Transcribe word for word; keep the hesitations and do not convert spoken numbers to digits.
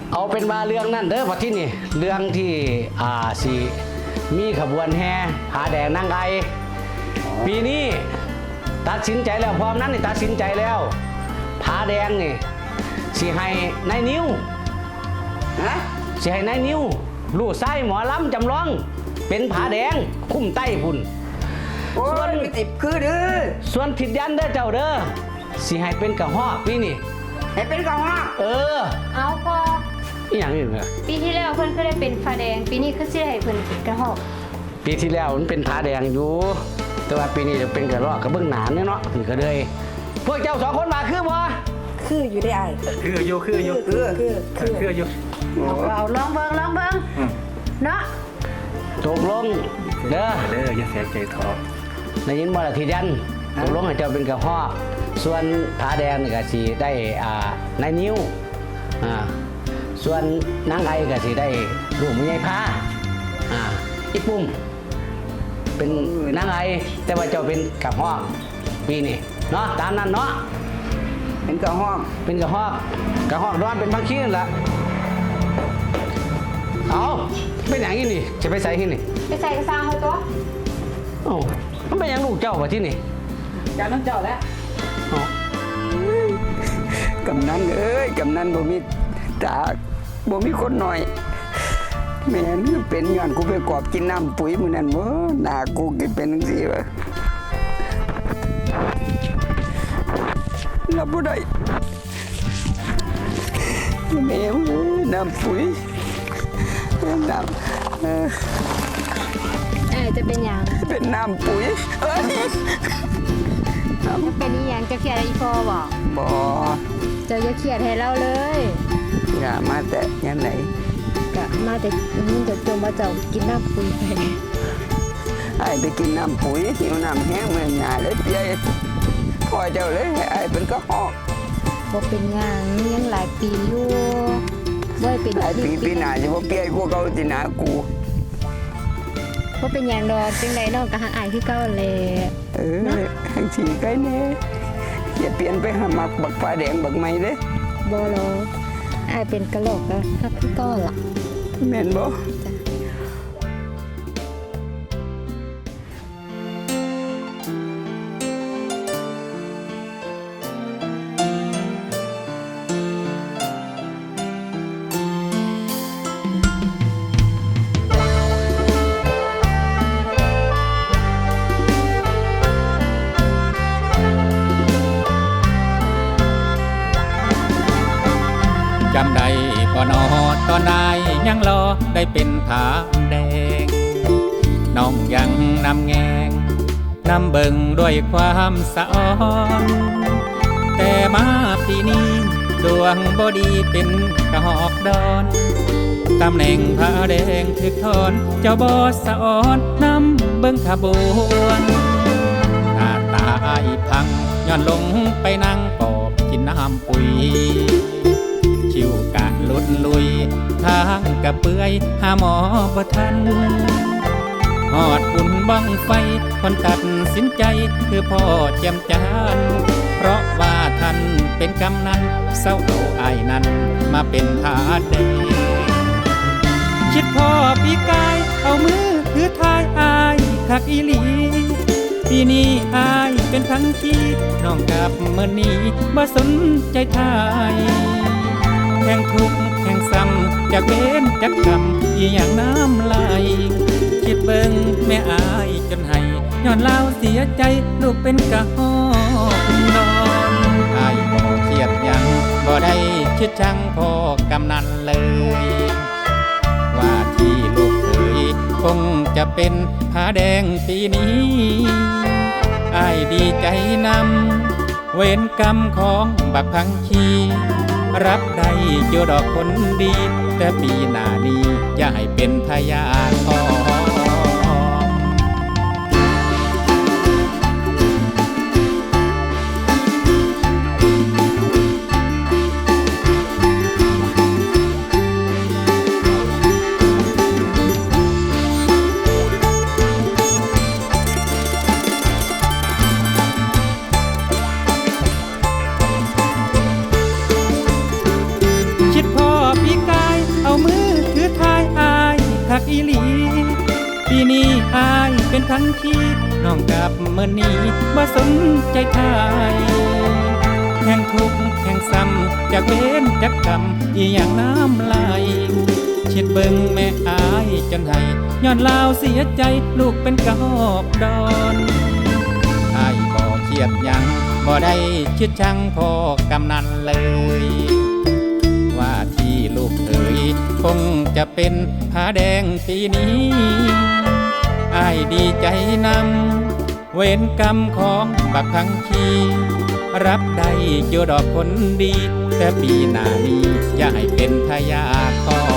เอาเป็นมาเรื่องนั่นเด้อพอที่นี่เรื่องที่อ่าสีมีขบวนแห่ผาแดงนางไอปีนี้ตัดสินใจแล้วพร้อมนั้นนี่ตัดสินใจแล้วผาแดงนี่สิให้นายนิ้วฮะสิให้นายนิ้วลูกไส้หมอลำจำลองเป็นผาแดงคุ้มใต้พุ่นส่วนติดคือเด้อส่วนทิดยันเด้อเจ้าเด้อสิให้เป็นกระหอกปีนี้ให้เป็นกระหอกเออเอาพออีหยังนี่เนี่ยปีที่แล้วเพิ่นก็ได้เป็นฟ้าแดงปีนี้คือสิได้เพิ่นเป็นกระหอกปีที่แล้วมันเป็นผาแดงอยู่แต่ว่าปีนี้จะเป็นกระรอกกระเบื้องหนานเนี่ยเนาะนี่ก็เลยพวกเจ้าสองคนมาคือบ่คืออยู่ได้ไอ้คืออยู่คืออยู่คือคือคืออยู่เอาลองเบิ่งลองเบิ่งเนาะตกลงเด้อเด้ออย่าเสียใจท้อได้ยินบ่ล่ะทียันตกลงให้เจ้าเป็นกระหอกส่วนผาแดงนี่ก็สิได้อ่านายนิ้วอ่าส่วนนางไอก็สิได้ลูกแม่ใหญ่พาอ่าอีปุ้มเป็นนางไอแต่ว่าเจ้าเป็นกระหอกปีนี้เนาะตามนั้นเนาะเป็นกระหอกเป็นกระหอกกระหอกร้อนเป็นบางขี้นั่นแหละเอาเป็นอย่างนี้นี่จะไปใส่ที่นี่ไปใส่กระซังเฮาตัวโอ้มันเป็นอย่างลูกเจ้าว่าที่นี่การน้องเจ้าแล้วกำนันเอ้ยกำนันบ่มีตาบ่มีคนหน่อยแม่นเป็นย้อนกูไปกอบกินน้ำปุ๋ยมื้อนั้นบ่หน้ากูก็เป็นจังซี่วะรับบ่ได้แม่น้ำปุ๋ยน้ำเออเออจะเป็นหยังเป็นน้ำปุ๋ยเอ้ยจะเป็นอีหยังจะเครียดอะไรอีพอบ่บ่เจ้าอย่าเครียดให้เราเลยอย่ามาแต่ยันไหนก็มาแต่มันจะจมว่าเจ้ากินน้ำปุ๋ยไปไอ้ไปกินน้ำปุ๋ยหิวน้ำแห้งเมื่อยหาเลยเปียพ่อเจ้าเลยไอ้เป็นก็หอกบ่เป็นหยังยังหลายปีอยู่บ่เป็นหลายปีปีหน้าจะบ่เปียกูเก่าสิหน้ากูบ่เป็นหยังดอกจังได๋น้องก็หักอ้ายคือเก่าแหละเออจังสิไกแน่อย่าเปลี่ยนไปหามักบักฟ้าแดงบักใหม่เด้บ่หรอกอ้ายเป็นกะโหลกก็ฮักคือเก่าล่ะแม่นบ่จำได้บ่นอตอนนายยังรอได้เป็นผาแดงน้องยังนำแงงนำเบิ่งด้วยความสะอ้อนแต่มาปีนี้ดวงบ่ดีเป็นกระหอกดอนตำแหน่งผาแดงถึกทอนเจ้าบ่สะอ้อนนำเบิ่งขบวนหน้าตาอ้ายพังย้อนลงไปนั่งกอบกินน้ำปุ๋ยชิวกะลุดลุยทางกะเปื่อยหาหมอบ่ทันหอดบุญบังไฟคนตัดสินใจคือพ่อเจียมจานเพราะว่าท่านเป็นกำนันเศร้าเอาอายนั้นมาเป็นผาแดงคิดพ่อปีกายเอามือถือทายอายคักอีหลีปีนี้อายเป็นทั้งที่น้องกับเมื่อนี้บ่สนใจทายแห่งทุกข์แห่งซ้ำจากเว้นจากกรรมอีหยังน้ำไหลคิดเบิ่งแม่อายจนให้ย้อนเล่าเสียใจลูกเป็นกะหอกนอนอายบ่เครียดยังบ่ได้คิดชังพ่อกำนันเลยว่าที่ลูกเคยคงจะเป็นผาแดงปีนี้อายดีใจนำเวรกรรมของบักพังคีรับได้อยู่ดอกคนดีแต่ปีหน้านี้อย่าให้เป็นพยาทอง คิดพ่อพี่กาปีนี้อายเป็นทั้งที่น้องกลับเมื่อนี้บ่สนใจไทยแห่งทุกข์แห่งซ้ำจากเว้นจากกรรมอีหยังน้ำไหลเช็ดเบิ่งแม่อายจนให้ย้อนลาวเสียใจลูกเป็นกระหอกดอนอายบ่เครียดหยังบ่ได้คิดชังพ่อกำนันเลยว่าที่ลูกเอ๋ยคงจะเป็นผาแดงปีนี้อายดีใจนำเวรกรรมของบักพังคีรับได้อยู่ดอกผลดีแต่ปีหน้านี้อย่าให้เป็นทายาทของ